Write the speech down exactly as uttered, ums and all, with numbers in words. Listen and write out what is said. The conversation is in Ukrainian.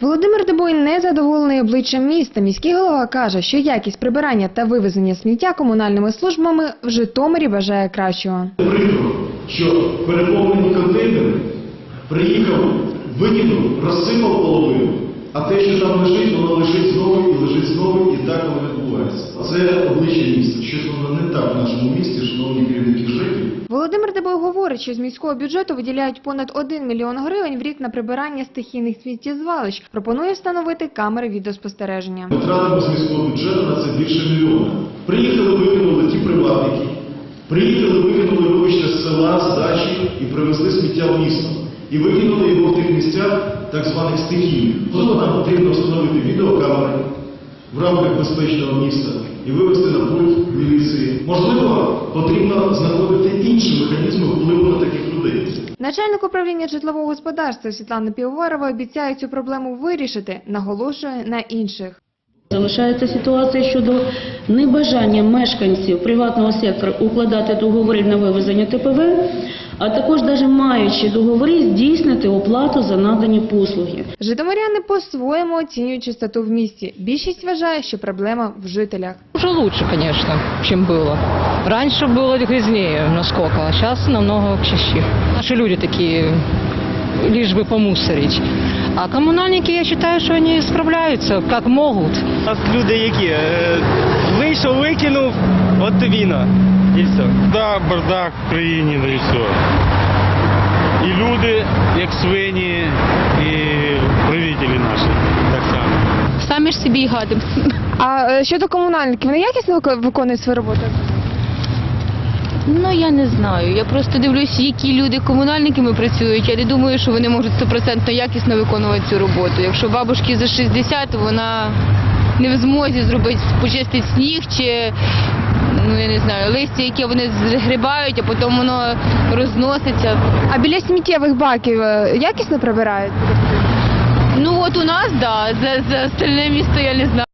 Володимир Дебой не задоволений обличчям міста. Міський голова каже, що якість прибирання та вивезення сміття комунальними службами в Житомирі бажає кращого. Прикро, що переповнені контейнери приїхав, викинув, розсипав половину, а те, що там лежить, воно лежить знову і лежить знову, і так воно відбувається. Це обличчя міста. Щось воно не так в нашому місті, шановні керівники ЖЕКів. Володимир Дебой говорить, що з міського бюджету виділяють понад один мільйон гривень в рік на прибирання стихійних сміттєзвалищ. Пропонує встановити камери відеоспостереження. Ми тратимо з міського бюджету на це більше мільйона. Приїхали, викинули ті приватники, приїхали, викинули, вибачте, з села, з дачі і привезли сміття в місто. І викинули його в тих місцях, так званих стихійних. Тому нам потрібно встановити відеокамери в рамках безпечного міста і вивести на пульт міліції. Можливо, потрібно знаходити інші механізми впливу на таких людей. Начальник управління житлового господарства Світлана Півоварова обіцяє цю проблему вирішити, наголошує на інших. Залишається ситуація щодо небажання мешканців приватного сектора укладати договори на вивезення Те Пе Ве, а також, навіть маючи договори, здійснити оплату за надані послуги. Житомиряни по-своєму оцінюють чистоту в місті. Більшість вважає, що проблема в жителях. Уже лучше, конечно, чем было. Раньше было грязнее насколько, а сейчас намного чище. Наши люди такие, лишь бы помусорить. А коммунальники, я считаю, что они справляются, как могут. У нас люди які? Е, Вийшов, викинув, от тобі на. І все. Да, бардак в країні, да і все. І люди, як свині, і правителі наші, так само. Самі ж собі й гадимо. А е, щодо комунальників, вони якісно виконують свою роботу? Ну, я не знаю. Я просто дивлюсь, які люди комунальниками працюють. Я не думаю, що вони можуть стопроцентно якісно виконувати цю роботу. Якщо бабушці за шістдесят, вона не в змозі зробити, почистити сніг чи, ну, я не знаю, листя, яке вони згрібають, а потім воно розноситься. А біля сміттєвих баків е, якісно прибирають? Ну, от у нас, так, да. За, за остальне місто я не знаю.